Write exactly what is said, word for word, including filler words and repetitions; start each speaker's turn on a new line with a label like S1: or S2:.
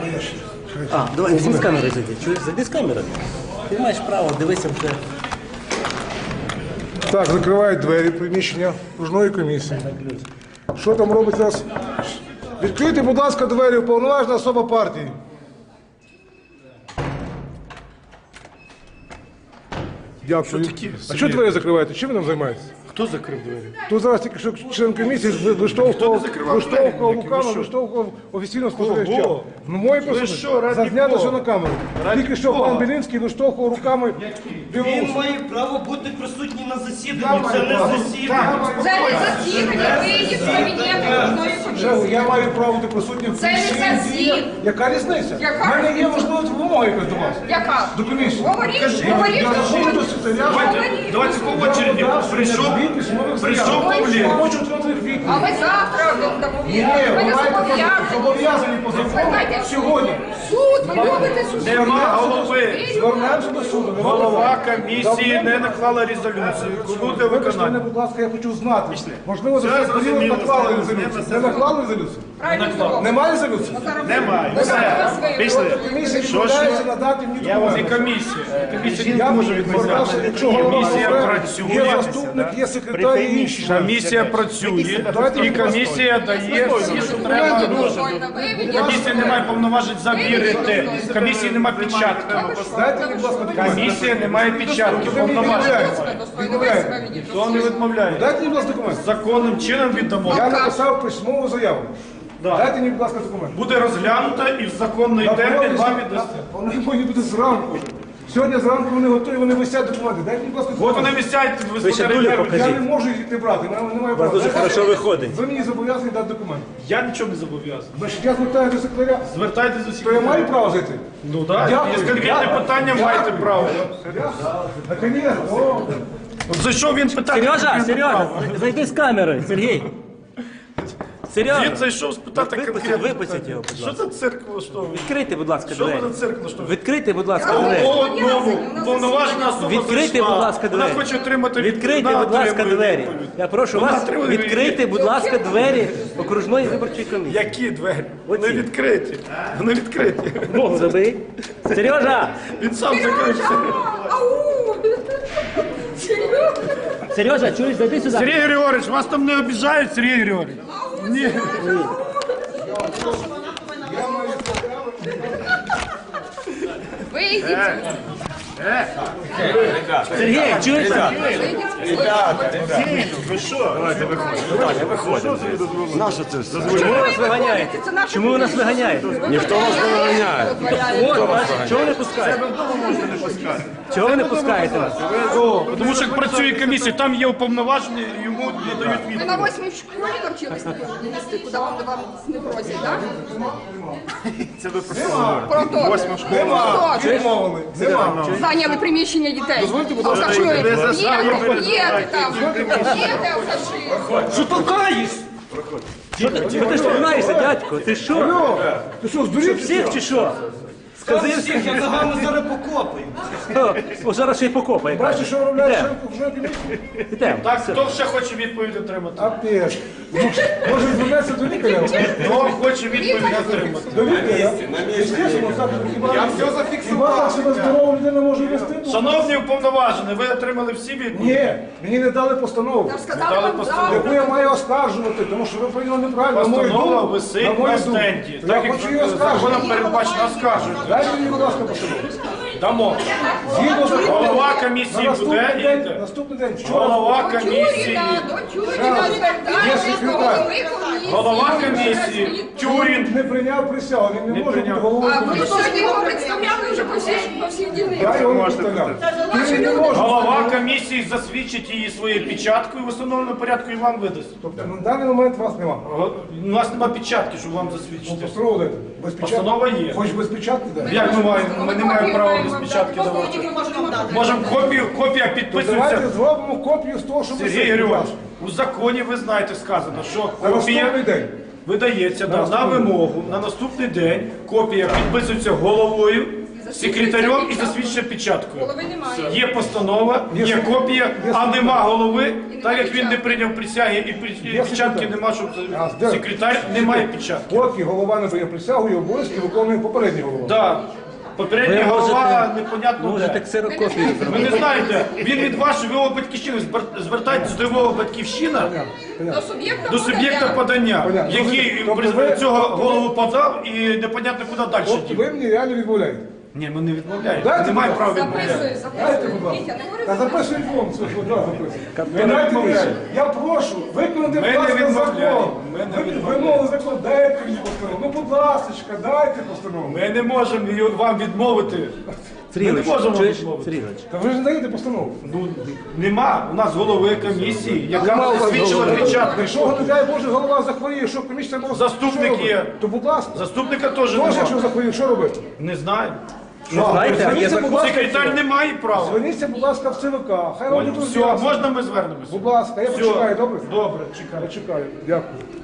S1: А, давай, всі з камери зайди. Чуєш, зайди з камери. Ти маєш право, дивися вже.
S2: Так, закривають двері приміщення окружної комісії. Що там робить зараз? Відкрийте, будь ласка, двері, уповноважена особа партії. Дякую. А що двері закриваєте? Чим ви там займаєтесь?
S3: Хто закрив двері?
S2: Тут зараз тільки що член комісії виштовхував, виштовхував руками, виштовхував офіційно спостерігача. Ну, моє просто зазнято все на камеру. Тільки що пан Білинський виштовхував руками.
S4: Він має право бути присутній на засіданні. Це не засідання.
S5: Це не засідання, виїзд з кабінету кожної комісії.
S2: Я маю право бути присутнім в
S5: Це не засідання.
S2: Яка різниця?
S5: Яка
S2: У мене є
S5: різниця?
S2: можливість вимоги якось до вас.
S5: Яка?
S2: До комісії.
S5: Говоріть, говоріть,
S2: Я заходжу до
S5: говоріть.
S2: секретаря.
S5: Говоріть.
S3: Давайте по очереді. Прийшов, прийшов Павлін.
S2: Хочу отримати відповідь.
S5: А ви завтра
S2: Ні, ні,
S5: доповідаєте.
S2: ви
S5: Ви не
S2: маєте
S5: зобов'язані.
S2: зобов'язані по закону
S5: Звертайте
S2: сьогодні.
S5: Суд, ви любите суд.
S3: Нема голови.
S2: Звернемося до суду. Не
S3: Голова комісії не наклала резолюцію. Кому де
S2: Вибачте мене,
S3: виконання?
S2: будь ласка, я хочу знати. Можливо, за
S3: Все
S2: цей період
S3: зрозуміло,
S2: наклали
S3: все
S2: резолюцію.
S3: зрозуміло.
S2: Не наклали резолюцію?
S5: Правильно.
S2: Немає резолюції?
S3: Немає.
S5: Ви
S3: Все.
S5: зараз
S3: Пішли.
S2: Комісія
S3: Що
S2: відмовляється
S3: ж?
S2: надати мені
S3: Я вас і
S2: документи.
S3: комісія. Комісія
S2: Я
S3: не може
S2: відмовлявся,
S3: відмовляти.
S2: якщо голова
S3: Комісія
S2: говорить,
S3: працює.
S2: є заступник, є секретар і інші.
S3: Комісія працює. І комісія дає всі, що треба. Комісія не має повноважень завірити. Комісії немає печатки.
S2: Дайте мені, будь ласка, документи.
S3: Комісія не має печатки.
S2: Ви мені
S3: Повноважень.
S2: відмовляєте.
S3: Хто не відмовляє?
S2: Дайте мені, будь ласка, документи.
S3: Законним чином віддамо.
S2: Я написав письмову заяву. Дайте мені, будь ласка, документи.
S3: Буде розглянута і в законний термін вам віддасться.
S2: Вони повинні бути зранку вже. Сьогодні зранку вони готові, вони висять документи. Дайте мені, будь ласка,
S3: От
S2: документи.
S3: вони висять в
S1: Ви ще дулю
S3: високорядні.
S1: покажіть.
S2: Я не можу їх не брати, мене немає права.
S1: дуже хорошо виходить.
S2: Ви мені зобов'язані дати документи.
S3: Я нічого не зобов'язаний.
S2: Значить, я звертаюся до секретаря.
S3: Звертайтеся до
S2: То я маю
S3: секретаря.
S2: право зайти?
S3: Ну так,
S2: Дякую.
S3: є конкретне
S2: Дякую.
S3: питання, маєте право.
S2: Наконец, о.
S3: От за що він питає?
S1: Сережа, Сережа, зайди з камери, Сергій.
S3: Він
S1: Сережа,
S3: зайшов спитати
S1: випустіть,
S3: конкретне
S1: випустіть
S3: питання.
S1: його, будь
S3: Що
S1: ласка.
S3: за цирк влаштовує?
S1: Відкрийте, будь ласка,
S3: Що ви
S1: двері.
S3: за цирк влаштовуєте?
S1: Відкрийте, будь ласка, двері.
S3: По одному повноважена особа
S1: Відкрийте,
S3: зайшла.
S1: будь ласка,
S3: Вона
S1: двері.
S3: хоче отримати
S1: Відкрийте,
S3: вона
S1: будь ласка,
S3: отримує
S1: двері.
S3: відповідь.
S1: Я прошу
S3: Вона
S1: вас,
S3: отримує
S1: відкрийте, будь ласка, двері окружної виборчої комісії.
S3: Які двері? Вони
S1: Оці.
S3: відкриті. Вони відкриті.
S1: Ногу забий. Сережа!
S3: Він сам закрився.
S5: Ау! Серйозно?
S1: Сережа, чуєш, зайди сюди.
S3: Сергій Григорович, вас там не обіжають, Сергій Григорович? Ні.
S5: Вийдіть.
S1: Сергій, чуєш? Чому ви нас виганяєте? Чому ви нас виганяєте?
S5: Ніхто вас не виганяє.
S1: От, бачите, чого ви не пускаєте? Чого ви не пускаєте нас?
S3: Тому що як працює комісія, там є уповноважені, йому надають
S5: Ви
S3: відповідь.
S5: на восьмій в школі навчились їсти, куди вам, вам не просять, так?
S3: Це ви просто
S5: Про то.
S2: Нема.
S5: Хто?
S2: Відмовили. Нема.
S5: Зайняли приміщення дітей.
S2: Дозвольте, будь ласка,
S5: Алкашують.
S3: ви за-
S5: Їдете, їдете там. Їдете, алкаші.
S1: Що толкаєш? Що ти, ти ж толкаєшся, дядько? Ти що?
S2: Алло, ти що, здурів?
S1: Всіх чи що? Скази всіх, я за вами зараз покопаю. О, зараз ще й покопає.
S2: Бачиш, що робляє
S1: Йдемо.
S2: член комісії?
S1: Ідемо.
S3: Так, хто ще хоче відповідь отримати?
S2: Апець. Може, звернеться до лікаря?
S3: Хто хоче відповідь отримати?
S2: До лікаря? Естественно, так, хіба- Хіба так себе здорова людина може вести?
S3: Шановні уповноважені, ви отримали всі відповіді?
S2: Ні, мені не дали постанову,
S5: Я ж сказала вам
S3: постанову.
S2: яку
S5: правду.
S2: я маю оскаржувати, тому що ви прийняли неправильно. На мою
S3: Постанова
S2: думку,
S3: висить
S2: на мою
S3: на
S2: думку.
S3: стенді.
S2: Я
S3: Так як
S2: хочу її оскаржувати.
S3: законом передбачено, оскаржуйте.
S2: Дайте мені, будь ласка, постанову.
S3: Дамо.
S2: Згідно закону,
S3: Голова
S2: на
S3: комісії
S2: наступний
S3: буде
S2: день,
S3: йде.
S2: наступний день, вчора,
S3: Голова
S5: До
S3: комісії.
S5: Тюріна, до Тюріна звертайтесь, до голови комісії.
S3: Голова комісії. Тюрін.
S2: не прийняв присягу, він не може бути
S3: прийняв.
S2: головою
S5: А ви
S2: комісії.
S5: сьогодні його представляли вже по всіх, по всіх
S2: Я
S5: дільницях.
S2: його не представляв. Він не може.
S3: Голова комісії засвідчить її своєю печаткою в установленому порядку і вам видасть.
S2: Тобто на даний момент вас нема.
S3: У нас немає печатки, щоб вам засвідчити.
S2: Постанову дайте. Без печатки.
S3: Постанова є.
S2: Хоч без печатки дай.
S3: Як ми маємо? Ми не маємо права без печатки давати. Можемо копію, копія
S2: Давайте
S3: підписується.
S2: зробимо копію з того, що ви
S3: Сергій
S2: сьогодні
S3: Григорович,
S2: бачите.
S3: у законі ви знаєте сказано, що
S2: На наступний
S3: копія
S2: день.
S3: видається да, на вимогу на наступний день. Копія підписується головою секретарем і засвідчує печаткою.
S5: Голови немає.
S3: Є постанова, є копія, а нема голови, так як він не
S5: печатки.
S3: прийняв присяги і при- і
S2: Є
S3: печатки
S2: секретар.
S3: нема, щоб
S2: А, де?
S3: секретар немає печатки.
S2: Поки голова не прийняв присягу і обов'язки виконує попередній голова.
S3: Да. Попередня
S1: Ви
S3: голова
S1: можете,
S3: непонятно
S1: можете
S3: де.
S1: ксерокопію
S3: Ви
S1: зробити.
S3: не знаєте, він від вашої його батьківщини, Звер- звертайтесь до його батьківщина,
S5: До суб'єкта
S3: до суб'єкта подання,
S2: Понятно.
S3: який
S2: Тобто
S3: при-
S2: ви-
S3: цього
S2: тобто ви-
S3: голову подав і непонятно куди далі
S2: Тобто
S3: дів.
S2: ви мені реально відмовляєте.
S3: Ні, ми не відмовляємо.
S2: Дайте,
S3: Немає
S2: будь
S3: права
S2: ласка.
S3: відмовляти.
S5: Записуй,
S2: Дайте, будь
S5: записуй.
S2: ласка.
S5: Вітя, не говори
S2: Та
S5: за
S2: записуй фон, це ж одразу записуй.
S3: Ми не
S2: Дайте мені,
S3: відмовляємо.
S2: я прошу, виконати,
S3: Ми
S2: будь
S3: не
S2: ласка,
S3: відмовляємо.
S2: закон.
S3: Ми не
S2: Ви-
S3: відмовляємо.
S2: Вимови закон, дайте мені постанову. Ну, будь ласка, дайте постанову.
S3: Ми не можемо її вам відмовити. Ми не
S1: Сергійович,
S3: можемо вам
S1: чуєш?
S3: відмовити.
S1: Сергійович,
S2: Та ви ж не даєте постанову.
S3: Ну, нема у нас голови комісії,
S2: Нема
S3: яка
S2: у вас
S3: засвідчила
S2: голови.
S3: печатку.
S2: Якщо, не дай Боже, голова захворіє, що комісія може...
S3: Заступник
S2: що робити?
S3: є.
S2: То, будь ласка,
S3: Заступника теж
S2: теж, якщо
S3: немає.
S2: захворіє, що робити?
S3: Не знаю.
S1: не знаєте, є
S2: Зверніться,
S1: закон.
S2: будь ласка,
S3: Секретар не має права.
S2: Зверніться, будь ласка, в ЦВК. Хай вам
S3: Все,
S2: тут з'яснять.
S3: можна ми звернемося?
S2: Будь ласка, я
S3: Все.
S2: почекаю, добре?
S3: Добре, чекаю.
S2: Почекаю, дякую.